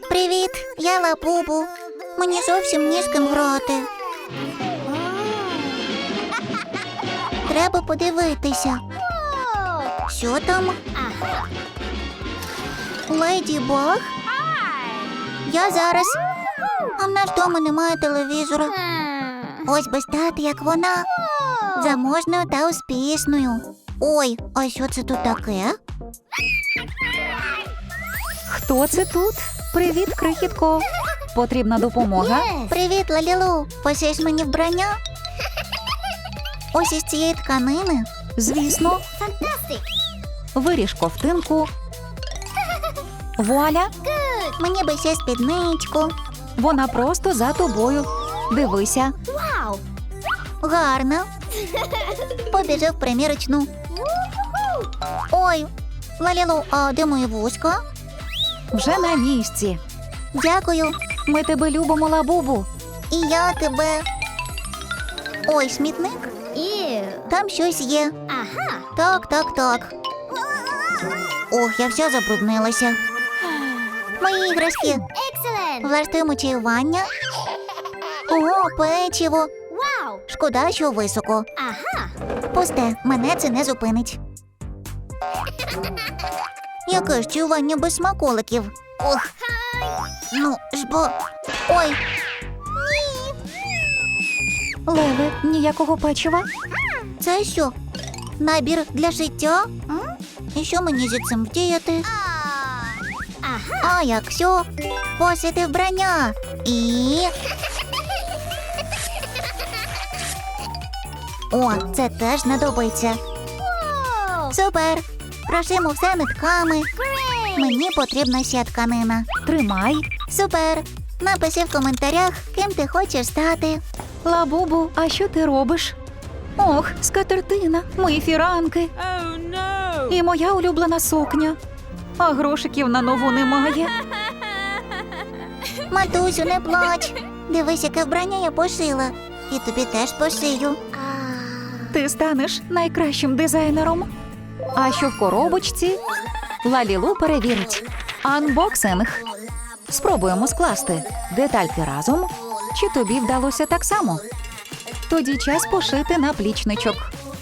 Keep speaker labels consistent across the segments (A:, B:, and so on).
A: Привіт, я Лабубу. Мені зовсім ні з ким грати. Треба подивитися. Що там? Леді Баг? Я зараз. А в нас вдома немає телевізора. Ось би стати, як вона. Заможною та успішною. Ой, а що це тут таке?
B: Хто це тут? Привіт, крихітко. Потрібна допомога?
A: Привіт, Лалілу. Пошиєш мені вбрання? Ось із цієї тканини.
B: Звісно. Виріж ковтинку. Вуаля!
A: Мені би ще спідничку.
B: Вона просто за тобою. Дивися.
A: Гарно. Побіжив в примірочну. Ой, Лалілу, а де мої вузька?
B: Вже на місці.
A: Дякую.
B: Ми тебе любимо, Лабубу.
A: І я тебе. Ой, смітник? Там щось є. Так. Ох, я вся забруднилася. Мої іграшки. Влаштуємо чаювання. О, печиво. Шкода, що високо. Пусте, мене це не зупинить. Яке ж чаювання без смаколиків? Ох. Ну, ж бо... Ой.
B: Леле, ніякого печива?
A: Це що? Набір для життя? І що мені зі цим вдіяти? А якщо посити вбрання і... О, це теж знадобиться. Супер! Прошимо все нитками. Мені потрібна ще тканина.
B: Тримай.
A: Супер! Напиши в коментарях, ким ти хочеш стати.
B: Лабубу, а що ти робиш? Ох, скатертина, мої фіранки. І моя улюблена сукня. А грошиків на нову немає.
A: Матусю, не плач. Дивись, яке вбрання я пошила. І тобі теж пошию.
B: Ти станеш найкращим дизайнером. А що в коробочці? Лалілу перевірить. Анбоксинг. Спробуємо скласти детальки разом. Чи тобі вдалося так само? Тоді час пошити наплічничок.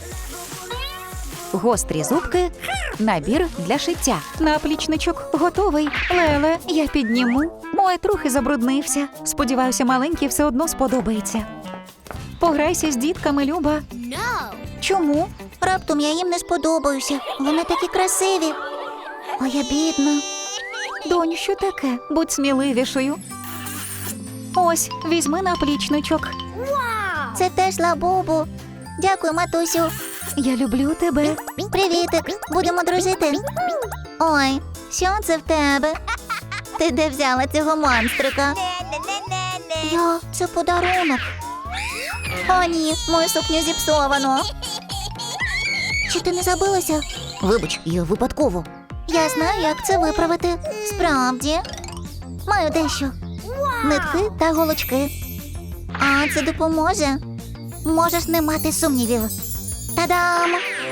B: Гострі зубки. Набір для шиття. Наплічничок готовий. Леле, я підніму. Ой, трохи забруднився. Сподіваюся, маленький все одно сподобається. Пограйся з дітками, Люба.
A: Чому? Раптом я їм не сподобаюся. Вони такі красиві. А я бідна.
B: Доню, що таке? Будь сміливішою. Ось, візьми наплічничок.
A: Це теж Лабубу. Дякую, матусю.
B: Я люблю тебе.
A: Привітик, будемо дружити. Ой, що це в тебе? Ти де взяла цього монстрика? Це подарунок. О, ні, мою сукню зіпсовано. Чи ти не забилася? Вибач, я випадково. Я знаю, як це виправити. Справді. Маю дещо. Нитки та голочки. А це допоможе? Можеш не мати сумнівів. Та-дам!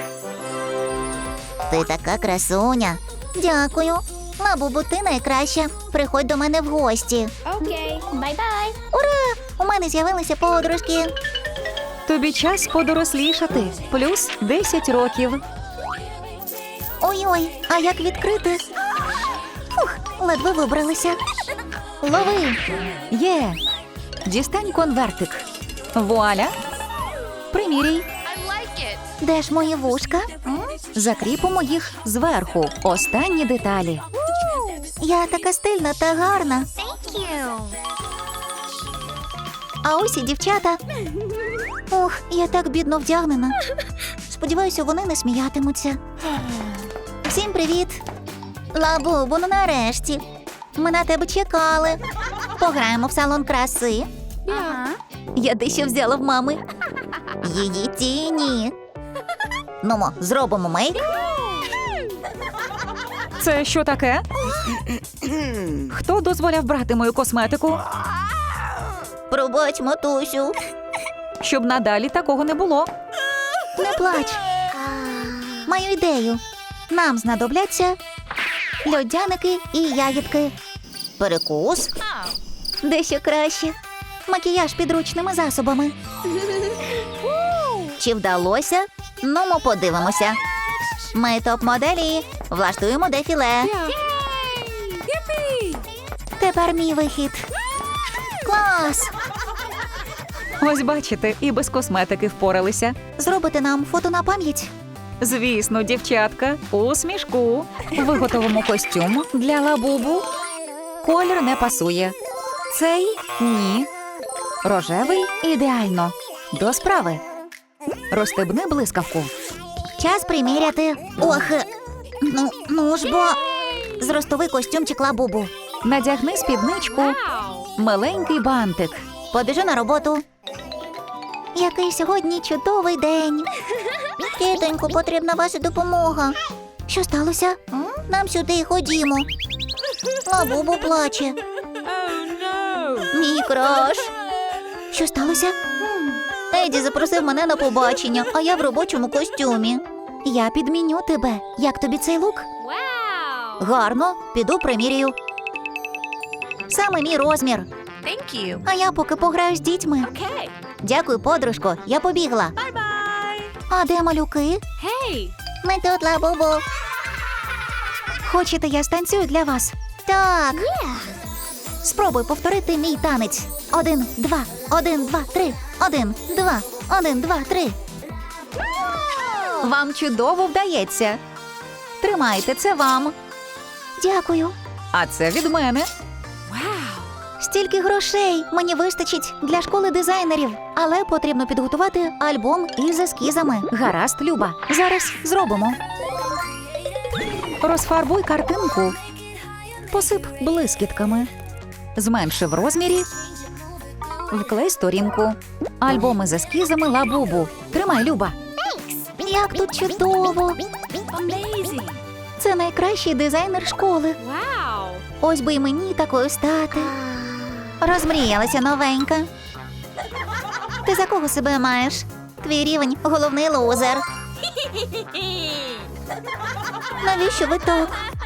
A: Ти така красуня. Дякую. Лабубу, ти найкраща. Приходь до мене в гості.
C: Окей, бай-бай.
A: Ура! У мене з'явилися подружки.
B: Тобі час подорослішати. Плюс 10 років.
A: Ой-ой, а як відкрити? Фух, ледве вибралися. Лови!
B: Є. Дістань конвертик. Вуаля. Приміряй.
A: Де ж мої вушка?
B: Закріпимо їх зверху. Останні деталі.
A: Я така стильна та гарна. А ось і дівчата. Ох, я так бідно вдягнена. Сподіваюся, вони не сміятимуться. Всім привіт. Лабубу, ну нарешті. Ми на тебе чекали. Пограємо в салон краси. Я дещо взяла в мами. Її тіні. Нумо, зробимо мейк.
B: Це що таке? Хто дозволяв брати мою косметику?
A: Пробач, матусю.
B: Щоб надалі такого не було.
A: Не плач. Маю ідею. Нам знадобляться льодяники і ягідки. Перекус? Дещо краще. Макіяж підручними засобами. Чи вдалося? Ну, ми подивимося. Ми топ-моделі. Влаштуємо дефіле. Тепер мій вихід. Клас!
B: Ось бачите, і без косметики впоралися.
A: Зробите нам фото на пам'ять?
B: Звісно, дівчатка, усмішку. Виготовимо костюм для лабубу. Колір не пасує. Цей – ні. Рожевий – ідеально. До справи. Розстебни блискавку.
A: Час приміряти. Ох, ну ж бо. Зростовий костюмчик лабубу.
B: Надягни спідничку. Миленький бантик.
A: Побіжу на роботу. Який сьогодні чудовий день. Тітонько, потрібна ваша допомога. Що сталося? Нам сюди ходімо. Лабубу плаче. Мій краш. Що сталося? Еді запросив мене на побачення, а я в робочому костюмі. Я підміню тебе. Як тобі цей лук?
C: Wow.
A: Гарно, піду примірюю. Саме мій розмір.
C: Thank you.
A: А я поки пограю з дітьми.
C: Okay.
A: Дякую, подружко, я побігла.
C: Bye-bye.
A: А де малюки?
C: Hey.
A: Ми тут, лабубу.
B: Хочете, я станцюю для вас?
A: Так. Спробуй повторити мій танець. 1, 2, 1, 2, 3. 1, 2, 1, 2, 3.
B: Вам чудово вдається. Тримайте, це вам.
A: Дякую.
B: А це від мене.
A: Стільки грошей мені вистачить для школи дизайнерів. Але потрібно підготувати альбом із ескізами.
B: Гаразд, Люба. Зараз зробимо. Розфарбуй картинку. Посип блискітками. Зменши в розмірі. Вклей сторінку. Альбоми з ескізами лабубу. Тримай, Люба.
A: Як тут чудово.
C: Amazing.
A: Це найкращий дизайнер школи.
C: Wow.
A: Ось би й мені такою стати. Розмріялася новенька. Ти за кого себе маєш? Твій рівень – головний лузер. Навіщо ви так?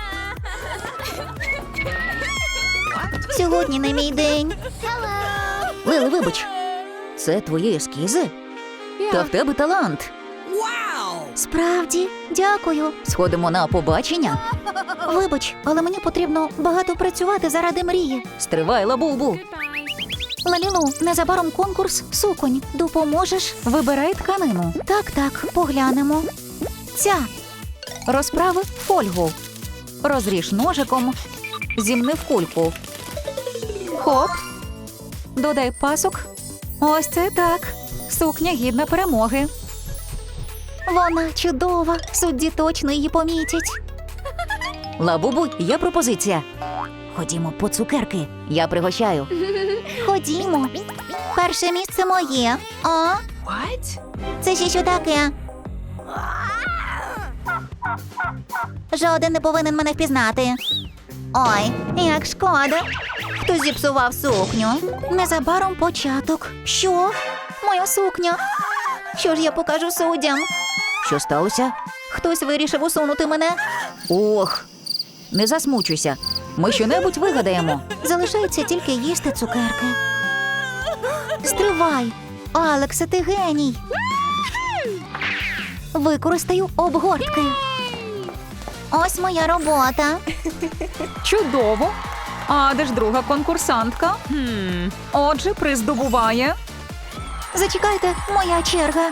A: Сьогодні не мій день.
B: Лили, вибач. Це твої ескізи? Та в тебе талант.
A: Справді, дякую.
B: Сходимо на побачення.
A: Вибач, але мені потрібно багато працювати заради мрії.
B: Стривай, лабубу.
C: Goodbye.
A: Лалілу, незабаром конкурс суконь. Допоможеш?
B: Вибирай тканину.
A: Так, поглянемо.
B: Ця. Розправи фольгу. Розріж ножиком. Зімни в кульку. Хоп. Додай пасок. Ось це так. Сукня гідна перемоги.
A: Вона чудова. Судді точно її помітять.
B: Лабубу, є пропозиція. Ходімо по цукерки. Я пригощаю.
A: Ходімо. Перше місце моє. А?
C: What?
A: Це ще що таке? Жоден не повинен мене впізнати. Ой, як шкода. Хтось зіпсував сукню. Незабаром початок. Що? Моя сукня. Що ж я покажу суддям?
B: Що сталося?
A: Хтось вирішив усунути мене.
B: Ох, не засмучуйся. Ми щонебудь вигадаємо.
A: Залишається тільки їсти цукерки. Стривай. Алексе, ти геній. Використаю обгортки. Ось моя робота.
B: Чудово. А де ж друга конкурсантка? Отже, приз здобуває.
A: Зачекайте, моя черга.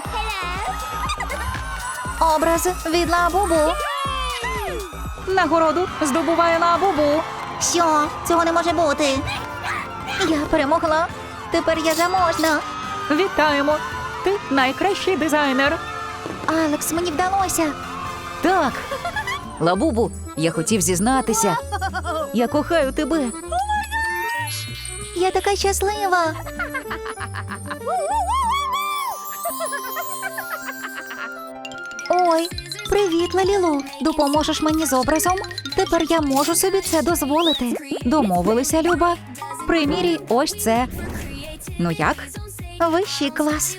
A: Образ від лабубу.
B: Нагороду здобуває лабубу.
A: Що? Цього не може бути. Я перемогла. Тепер я заможна.
B: Вітаємо. Ти найкращий дизайнер.
A: Алекс, мені вдалося.
B: Так. Лабубу, я хотів зізнатися. Я кохаю тебе.
A: Я така щаслива. Ой, привіт, Лалілу. Допоможеш мені з образом? Тепер я можу собі це дозволити.
B: Домовилися, Люба. Примірій ось це. Ну як?
A: Вищий клас.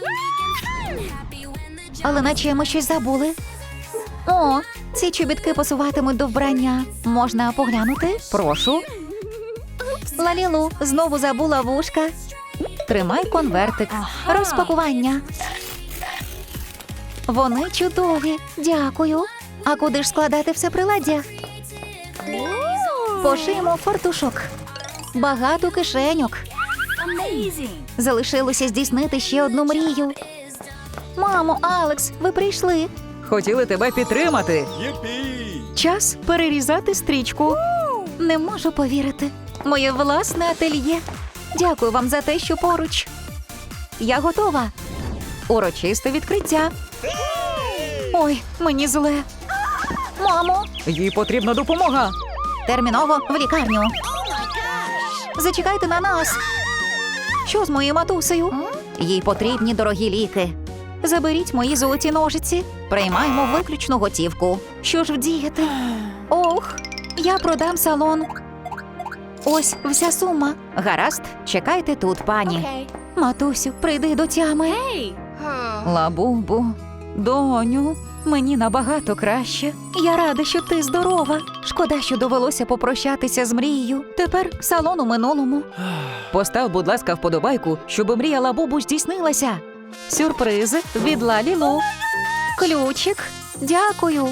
A: Але наче ми щось забули. О, ці чобітки посуватимуть до вбрання. Можна поглянути?
B: Прошу. Лалілу, знову забула вушка. Тримай конвертик. Розпакування. Вони чудові. Дякую. А куди ж складати все приладдя? Пошиємо фартушок. Багато кишеньок.
C: Amazing.
B: Залишилося здійснити ще одну мрію. Мамо, Алекс, ви прийшли. Хотіли тебе підтримати. Час перерізати стрічку. Не можу повірити. Моє власне ательє. Дякую вам за те, що поруч. Я готова. Урочисте відкриття. Ой, мені зле. Мамо, їй потрібна допомога. Терміново в лікарню. Зачекайте на нас. Що з моєю матусею? Їй потрібні дорогі ліки. Заберіть мої золоті ножиці. Приймаємо виключну готівку. Що ж вдіяти? Ох, я продам салон. Ось вся сума. Гаразд, чекайте тут, пані.
C: Okay.
B: Матусю, прийди до тями.
C: Hey.
B: Лабубу, доню, мені набагато краще. Я рада, що ти здорова. Шкода, що довелося попрощатися з мрією. Тепер салон у минулому. Постав, будь ласка, вподобайку, щоб мрія Лабубу здійснилася. Сюрпризи від Лалілу. Ключик. Дякую.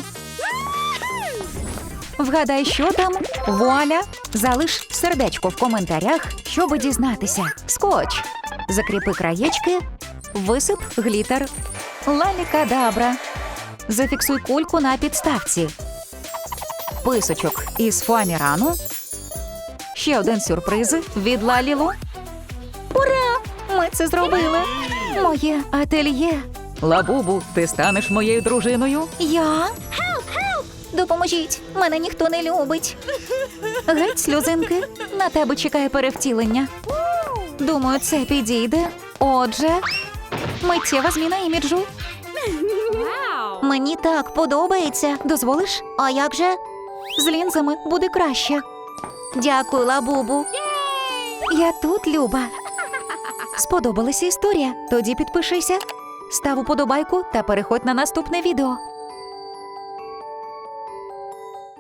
B: Вгадай, що там? Вуаля! Залиш сердечко в коментарях, щоб дізнатися. Скотч. Закріпи краєчки. Висип глітер. Лалікадабра. Зафіксуй кульку на підставці. Писочок із фоамірану. Ще один сюрприз від Лалілу. Ура! Ми це зробили! Моє ательє. Лабубу, ти станеш моєю дружиною? Я? Допоможіть, мене ніхто не любить. Геть, сльозинки, на тебе чекає перевтілення. Думаю, це підійде. Отже, миттєва зміна іміджу.
C: Wow.
B: Мені так подобається. Дозволиш? А як же? З лінзами буде краще. Дякую, Лабубу. Я тут, Люба. Сподобалася історія? Тоді підпишися, став уподобайку та переходь на наступне відео.